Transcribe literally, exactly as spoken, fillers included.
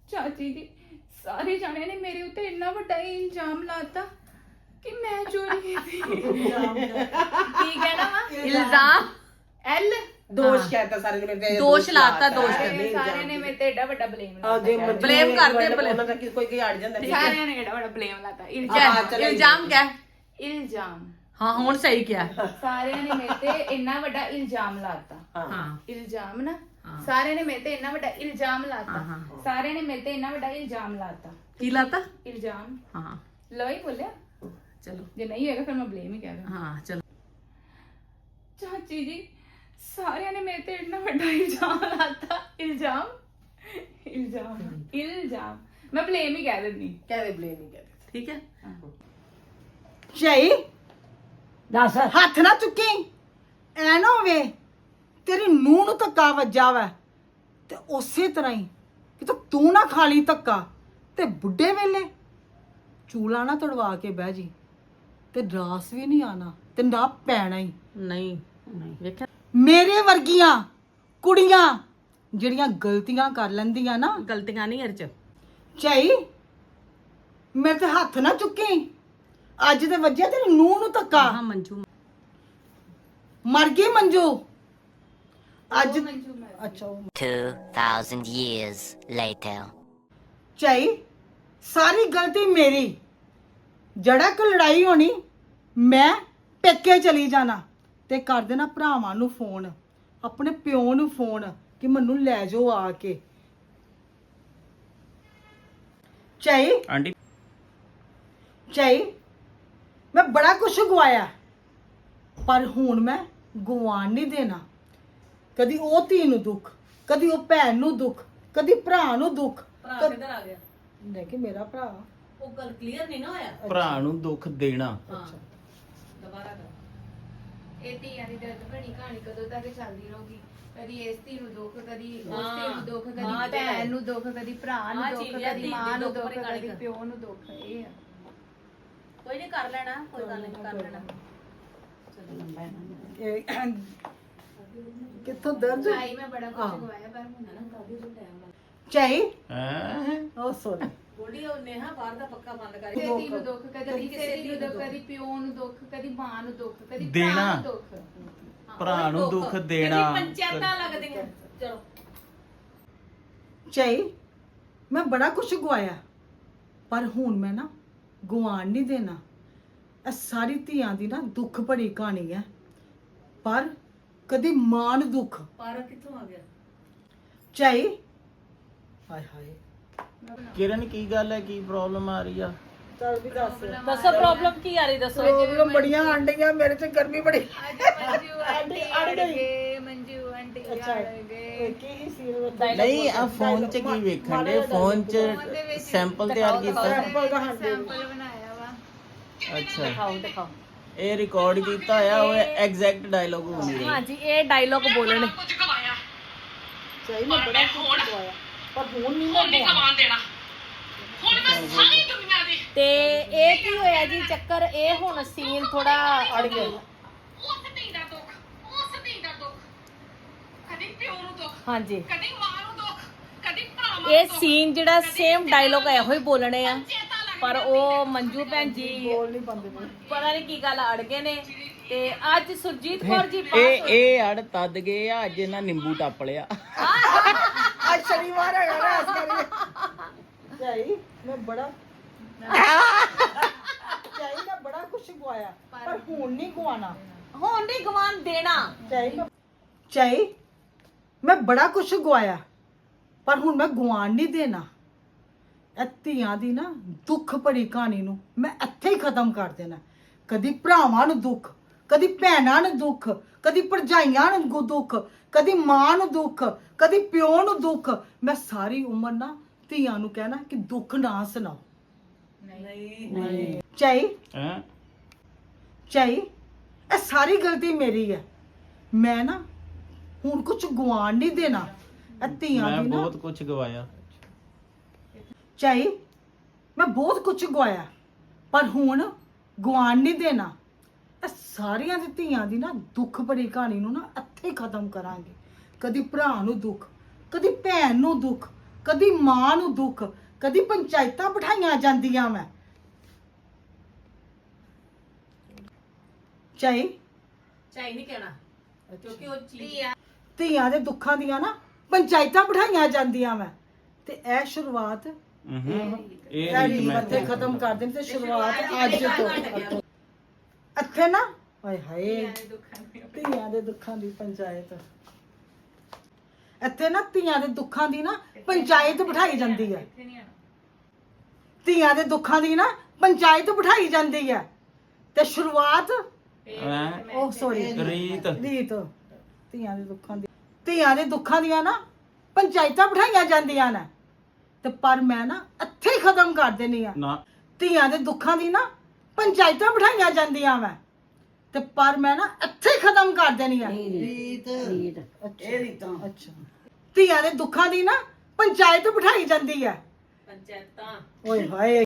ਚਾਚੀ ਜੀ ਸਾਰੇ ਜਾਣਿਆਂ ਨੇ ਮੇਰੇ ਉੱਤੇ ਇੰਨਾ ਵੱਡਾ ਹੀ ਇਲਜ਼ਾਮ ਲਾਤਾ ਕਿ ਮੈਂ ਚੋਰੀ ਕੀਤੀ। ਕੀ ਕਹਿਣਾ ਵਾ? ਇਲਜ਼ਾਮ ਐਲ ਦੋਸ਼ कहता सारे ने मेरे ਦੋਸ਼ ਲਾਤਾ ਦੋਸ਼ ਸਾਰੇ ਸਾਰਿਆਂ ਨੇ ਮੇਰੇ ਤੇ ਏਡਾ ਵੱਡਾ ਬਲੇਮ ਆ ਜੇ ਲਾਤਾ। Blame ਕਰਦੇ, blame। ਉਹਨਾਂ ਦਾ ਕੀ ਕੋਈ ਕੋਈ ਅੜ ਜਾਂਦਾ ਠੀਕ ਹੈ ਸਾਰਿਆਂ ਨੇ ਏਡਾ ਵੱਡਾ ਬਲੇਮ ਲਾਤਾ। क्या ਇਲਜ਼ਾਮ चलो इल्जाम क्या है? ਇਲਜ਼ਾਮ हाँ हुन सही क्या ਸਾਰਿਆਂ ਨੇ ਮੇਰੇ ਤੇ ਇੰਨਾ ਵੱਡਾ ਇਲਜ਼ਾਮ ਲਾਤਾ। हाँ ਇਲਜ਼ਾਮ ਨਾ ਹਾਂ। ਸਾਰਿਆਂ ਨੇ ਮੇਰੇ ਤੇ ਇੰਨਾ ਵੱਡਾ ਇਲਜ਼ਾਮ ਲਾਤਾ। ਹਾਂ, ਹਾਂ। ਸਾਰਿਆਂ ਨੇ ਮੇਰੇ ਤੇ ਇੰਨਾ ਵੱਡਾ ਇਲਜ਼ਾਮ ਲਾਤਾ। की लाता ਇਲਜ਼ਾਮ हाँ ਲੋ ਹੀ ਬੋਲਿਆ, चलो ਜੇ ਨਹੀਂ ਹੋਏਗਾ ਫਿਰ ਮੈਂ ਬਲੇਮ ਹੀ ਕਹਾਂਗਾ। हाँ चलो ਚਾਚੀ ਜੀ ਸਾਰਿਆਂ ਨੇ ਮੇਰੇ ਤੇ ਇੰਨਾ ਵੱਡਾ ਇਲਜ਼ਾਮ ਲਾਤਾ। ਇਲਜ਼ਾਮ ਇਲਜ਼ਾਮ ਇਲਜ਼ਾਮ ਮੈਂ ਬਲੇਮ ਹੀ ਕਹਿ ਦਿੰਦੀ। कहते ब्लेम ही कहते ठीक है ਝਾਈ ਦੱਸ ਹੱਥ ਨਾ ਚੁੱਕੀ ਐ ਨਾ ਹੋਵੇ ਤੇਰੀ ਨੂੰਹ ਨੂੰ ਧੱਕਾ ਵੱਜਾ ਵੈ ਤੇ ਉਸੇ ਤਰ੍ਹਾਂ ਹੀ ਕਿ ਤੂੰ ਨਾ ਖਾ ਲਈ ਧੱਕਾ ਤੇ ਬੁੱਢੇ ਵੇਲੇ ਚੂਲਾ ਨਾ ਤੜਵਾ ਕੇ ਬਹਿ ਜੀ ਤੇ ਰਾਸ ਵੀ ਨਹੀਂ ਆਣਾ ਤੇ ਨਾ ਪੈਣਾ ਹੀ। नहीं नहीं देखा ਮੇਰੇ ਵਰਗੀਆਂ ਕੁੜੀਆਂ ਜਿਹੜੀਆਂ ਗਲਤੀਆਂ ਕਰ ਲੈਂਦੀਆਂ ਨਾ गलतियां नहीं हर च ਝਾਈ ਮੇਰੇ ਤੇ ਹੱਥ ਨਾ ਚੁੱਕੀ ਅੱਜ ਤੇ ਵੱਜਿਆ ਤੇਰੀ ਨੂੰਹ ਨੂੰ ਧੱਕਾ हाँ मंजू ਮਰ ਗਈ ਮੰਜੂ ਅੱਜ ਉਹ ਮੰਜੂ ਮਰ ਅੱਛਾ ਉਹ Two thousand years later. ਝਾਈ ਸਾਰੀ ਗਲਤੀ ਮੇਰੀ ਜੜਾ ਕੋ ਲੜਾਈ ਹੋਣੀ ਮੈਂ ਪੇਕੇ ਚਲੀ ਜਾਣਾ ਤੇ ਕਰ ਦੇਣਾ ਭਰਾਵਾਂ ਨੂੰ ਫੋਨ ਆਪਣੇ ਪਿਓ ਨੂੰ ਫੋਨ ਕਿ ਮੈਨੂੰ ਲੈ ਜਾਓ ਆ ਕੇ। ਝਾਈ ਆਂਟੀ ਝਾਈ ਮੈਂ ਬੜਾ ਕੁਛ ਗਵਾਇਆ ਪਰ ਹੁਣ ਮੈਂ ਗਵਾਣ ਨਹੀਂ ਦੇਣਾ। ਕਦੀ ਉਹ ਧੀ ਨੂੰ ਦੁੱਖ, ਕਦੀ ਉਹ ਭੈਣ ਨੂੰ ਦੁੱਖ, ਕਦੀ ਭਰਾ ਨੂੰ ਦੁੱਖ। ਭਰਾ ਕਿੱਧਰ ਆ ਗਿਆ? ਲੈ ਕੇ ਮੇਰਾ ਭਰਾ ਉਹ ਗੱਲ ਕਲੀਅਰ ਨਹੀਂ ਨਾ ਹੋਇਆ। ਭਰਾ ਨੂੰ ਦੁੱਖ ਦੇਣਾ हाँ दोबारा कर ਇਹ ਧੀਆਂ ਦੀ ਦਰਦ ਭਰੀ ਕਹਾਣੀ ਕਦੋਂ ਤੱਕ ਚੱਲਦੀ ਰਹੂਗੀ? ਕਦੀ ਇਸ ਧੀ ਨੂੰ ਦੁੱਖ, ਕਦੀ ਉਸ ਹਾਂ। ਧੀ ਨੂੰ ਦੁੱਖ, ਹਾਂ, ਕਦੀ ਤੇ ਹੈ। ਭੈਣ ਨੂੰ ਦੁੱਖ, ਕਦੀ ਭਰਾ ਨੂੰ ਹਾਂ, ਦੁੱਖ, ਚੀਜ਼ ਹੈ, ਕਦੀ ਧੀ ਮਾਂ ਦੀ ਨੂੰ ਦੁੱਖ ਦੁੱਖ, ਭਰੀ ਕਹਾਣੀ ਕਦੀ ਕਰ। ਪਿਓ ਨੂੰ ਦੁੱਖ। ਇਹ ਆ कोई नहीं कर लेना कोई गल नहीं कर लेना ਇਹ ਕਿੱਥੋਂ ਦਰਦ ਭਾਈ ਮੈਂ ਬੜਾ ਕੁਝ ਹਾਂ। ਗਵਾਇਆ ਪਰ ਹੁਣ ਨਾ ਝਾਈ ਹੈ ਉਹ ਸੋਰੀ ਬੋਲੀ ਉਹ ਨੇਹਾ ਬਾਹਰ ਦਾ ਪੱਕਾ ਬੰਦ ਕਰ ਕਿਸੇ ਧੀ ਨੂੰ ਦੁੱਖ, ਕਦੀ ਕਿਸੇ ਧੀ ਨੂੰ ਦੁੱਖ, ਕਦੀ ਪਿਓ ਨੂੰ ਦੁੱਖ, ਕਦੀ ਮਾਂ ਨੂੰ ਦੁੱਖ, ਕਦੀ ਭਰਾ ਦੇਣਾ। ਨੂੰ ਦੁੱਖ। ਭਰਾ ਨੂੰ ਦੁੱਖ ਦੇਣਾ ਪੰਚਾਇਤਾਂ ਲੱਗਦੀਆਂ ਚਲੋ ਝਾਈ ਮੈਂ ਬੜਾ ਕੁਛ ਗਵਾਇਆ ਪਰ ਹੁਣ ਮੈਂ ਨਾ ਗਵਾਣ ਨਹੀਂ ਦੇਣਾ। ਇਹ ਸਾਰੀ ਧੀਆਂ ਦੀ ਨਾ ਦੁੱਖ ਭਰੀ ਕਹਾਣੀ ਹੈ ਪਰ ਕਦੀ ਮਾਂ ਨੂੰ ਦੁੱਖ। ਪਰ ਕਿੱਥੋਂ ਆ ਗਿਆ? ਝਾਈ ਹਾਏ ਹਾਏ ਕਿਰਨ ਕੀ ਗੱਲ ਹੈ ਕੀ ਪ੍ਰੋਬਲਮ ਆ ਰਹੀ ਆ ਚੱਲ ਵੀ ਦੱਸ ਦੱਸੋ ਪ੍ਰੋਬਲਮ ਕੀ ਆ ਰਹੀ ਦੱਸੋ ਪ੍ਰੋਬਲਮ ਬੜੀਆਂ ਆਂਡੀਆਂ ਮੇਰੇ ਤੇ ਗਰਮੀ ਬੜੀ। ਅੱਜ ਮੰਜੂ ਆਂਟੀ ਅੜ ਗਏ, ਮੰਜੂ ਆਂਟੀ ਅੜ ਗਏ। ਕੀ ਸੀ ਨਹੀਂ ਆ ਫੋਨ 'ਚ ਕੀ ਵੇਖਣ ਦੇ ਫੋਨ 'ਚ ਸੈਂਪਲ ਤਿਆਰ ਕੀਤਾ ਸੈਂਪਲ ਦਾ ਹਾਂਜੀ ਸੈਂਪਲ ਬਣਾਇਆ ਵਾ। ਅੱਛਾ ਦਿਖਾਓ ਦਿਖਾਓ ਇਹ ਰਿਕਾਰਡ ਕੀਤਾ ਹੋਇਆ ਉਹ ਐਗਜ਼ੈਕਟ ਡਾਇਲੋਗ ਹੋਣੀ ਹੈ ਹਾਂਜੀ ਇਹ ਡਾਇਲੋਗ ਬੋਲਣ ਝਾਈ ਮੈਂ ਬੜਾ ਕੁਛ ਗਵਾਇਆ ਪਰ ਹੁਣ ਨਹੀਂ ਮੈਂ ਗਵਾਉਣਾ। ਤੇ ਇਹ ਕੀ ਹੋਇਆ ਜੀ ਚੱਕਰ ਇਹ ਹੁਣ ਸੀਨ ਥੋੜਾ ਅੜ ਗਿਆ ਉਸ ਧੀ ਦਾ ਦੁੱਖ, ਉਸ ਧੀ ਦਾ ਦੁੱਖ, ਕਦੀ ਪਿਓ ਨੂੰ ਦੁੱਖ, ਹਾਂਜੀ ਕਦੀ ਮਾਂ ਨੂੰ ਦੁੱਖ, ਕਦੀ ਭਰਾਵਾਂ ਨੂੰ ਇਹ ਦੁੱਖ। ਸੀਨ ਜਿਹੜਾ ਸੇਮ ਡਾਇਲੋਗ ਇਹੋ ਹੀ ਬੋਲਣੇ ਆ ਪਰ ਉਹ ਮੰਜੂ ਭੈਣ ਜੀ ਬੋਲ ਨਹੀਂ ਪਾਉਂਦੇ ਪਏ। ਪਤਾ ਨਹੀਂ ਕੀ ਗੱਲ ਅੜ ਗਏ ਨੇ ਤੇ ਅੱਜ ਸੁਰਜੀਤ ਕੌਰ ਜੀ ਇਹ ਪਾਸ ਇਹ ਅੜ ਤੱਦ ਗਏ ਆ ਅੱਜ ਇਹਨਾਂ ਨਿੰਬੂ ਟੱਪ ਲਿਆ ਅੱਜ ਸ਼ਨੀਵਾਰ ਹੈਗਾ ਨਾ ਇਸ ਕਰਕੇ ਝਾਈ ਮੈਂ ਬੜਾ ਝਾਈ ਮੈਂ ਬੜਾ ਕੁਛ ਗਵਾਇਆ ਪਰ ਹੁਣ ਨਹੀਂ ਗਵਾਣਾ। ਹੁਣ ਨਹੀਂ ਗਵਾਨ ਦੇਣਾ ਝਾਈ ਮੈਂ ਝਾਈ ਮੈਂ ਬੜਾ ਕੁਛ ਗਵਾਇਆ ਪਰ ਹੁਣ ਮੈਂ ਗਵਾਣ ਨਹੀਂ ਦੇਣਾ। ਇਹ ਧੀਆਂ ਦੀ ਨਾ ਦੁੱਖ ਭਰੀ ਕਹਾਣੀ ਨੂੰ ਮੈਂ ਇੱਥੇ ਹੀ ਖਤਮ ਕਰ ਦੇਣਾ। ਕਦੀ ਭਰਾਵਾਂ ਨੂੰ ਦੁੱਖ, ਕਦੀ ਭੈਣਾਂ ਨੂੰ ਦੁੱਖ, ਕਦੀ ਭਰਜਾਈਆਂ ਨੂੰ ਦੁੱਖ, ਕਦੀ ਮਾਂ ਨੂੰ ਦੁੱਖ, ਕਦੀ ਪਿਓ ਨੂੰ ਦੁੱਖ। ਮੈਂ ਸਾਰੀ ਉਮਰ ਨਾ ਧੀਆਂ ਨੂੰ ਕਹਿਣਾ ਕਿ ਦੁੱਖ ਨਾ ਸੁਣਾਓ। ਨਹੀਂ ਝਾਈ ਹੈ ਝਾਈ ਇਹ ਸਾਰੀ ਗਲਤੀ ਮੇਰੀ ਹੈ। ਮੈਂ ਨਾ ਹੁਣ ਕੁਝ ਗਵਾਣ ਨਹੀਂ ਦੇਣਾ। ਇਹ ਧੀਆਂ ਮੈਂ ਦੀ ਨਾ ਬਹੁਤ ਕੁਝ ਗਵਾਇਆ ਝਾਈ ਮੈਂ ਬਹੁਤ ਕੁਝ ਗਵਾਇਆ ਪਰ ਹੁਣ ਗਵਾਣ ਨਹੀਂ ਦੇਣਾ। ਇਹ ਸਾਰੀਆਂ ਦੀ ਧੀਆਂ ਦੀ ਨਾ ਦੁੱਖ ਭਰੀ ਕਹਾਣੀ ਨੂੰ ਨਾ ਇੱਥੇ ਹੀ ਖਤਮ ਕਰਾਂਗੇ। ਕਦੀ ਭਰਾ ਨੂੰ ਦੁੱਖ, ਕਦੀ ਭੈਣ ਨੂੰ ਦੁੱਖ, ਕਦੀ ਮਾਂ ਨੂੰ ਦੁੱਖ, ਕਦੀ ਪੰਚਾਇਤਾਂ ਬਿਠਾਈਆਂ ਜਾਂਦੀਆਂ ਮੈਂ ਚਾਹੀ ਚਾਹੀ ਨਹੀਂ ਕਹਿਣਾ ਕਿਉਂਕਿ ਉਹ ਚੀਜ਼ ਧੀਆਂ ਦੇ ਦੁੱਖਾਂ ਦੀਆਂ ਨਾ ਪੰਚਾਇਤਾਂ ਬਿਠਾਈਆਂ ਜਾਂਦੀਆਂ ਮੈਂ ਤੇ ਇਹ ਸ਼ੁਰੂਆਤ ਹੂੰ ਇਹ ਇਹ ਰੀਤ ਮੈਂ ਇੱਥੇ ਖਤਮ ਕਰ ਦੇਣ ਤੇ ਸ਼ੁਰੂਆਤ ਅੱਜ ਤੋਂ ਇੱਥੇ ਨਾ ਹਾਏ ਹਾਏ ਧੀਆਂ ਦੇ ਦੁੱਖਾਂ ਦੀ ਪੰਚਾਇਤ ਇੱਥੇ ਨਾ ਧੀਆਂ ਦੇ ਦੁੱਖਾਂ ਦੀ ਨਾ ਪੰਚਾਇਤ ਬਿਠਾਈ ਜਾਂਦੀ ਹੈ ਧੀਆਂ ਦੇ ਦੁੱਖਾਂ ਦੀ ਨਾ ਪੰਚਾਇਤ ਬਿਠਾਈ ਜਾਂਦੀ ਹੈ ਤੇ ਸ਼ੁਰੂਆਤ ਹੈਂ? ਉਹ ਸੌਰੀ ਰੀਤ ਰੀਤ ਧੀਆਂ ਦੇ ਦੁੱਖਾਂ ਦੀ ਧੀਆਂ ਦੇ ਦੁੱਖਾਂ ਦੀਆਂ ਨਾ ਪੰਚਾਇਤਾਂ ਬਿਠਾਈਆਂ ਜਾਂਦੀਆਂ ਨੇ ਤੇ ਪਰ ਮੈਂ ਨਾ ਇੱਥੇ ਹੀ ਖਤਮ ਕਰ ਦੇਣੀ ਆ ਨਾ ਧੀਆਂ ਦੇ ਦੁੱਖਾਂ ਦੀ ਨਾ ਪੰਚਾਇਤਾਂ ਬਿਠਾਈਆਂ ਜਾਂਦੀਆਂ ਮੈਂ ਤੇ ਪਰ ਮੈਂ ਨਾ ਇੱਥੇ ਹੀ ਖਤਮ ਕਰ ਦੇਣੀ ਆ ਰੀਤ ਇਹ ਰੀਤਾਂ ਅੱਛਾ ਧੀਆਂ ਦੇ ਦੁੱਖਾਂ ਦੀ ਨਾ ਪੰਚਾਇਤ ਬਿਠਾਈ ਜਾਂਦੀ ਹੈ ਪੰਚਾਇਤਾਂ ਓਏ ਹਾਏ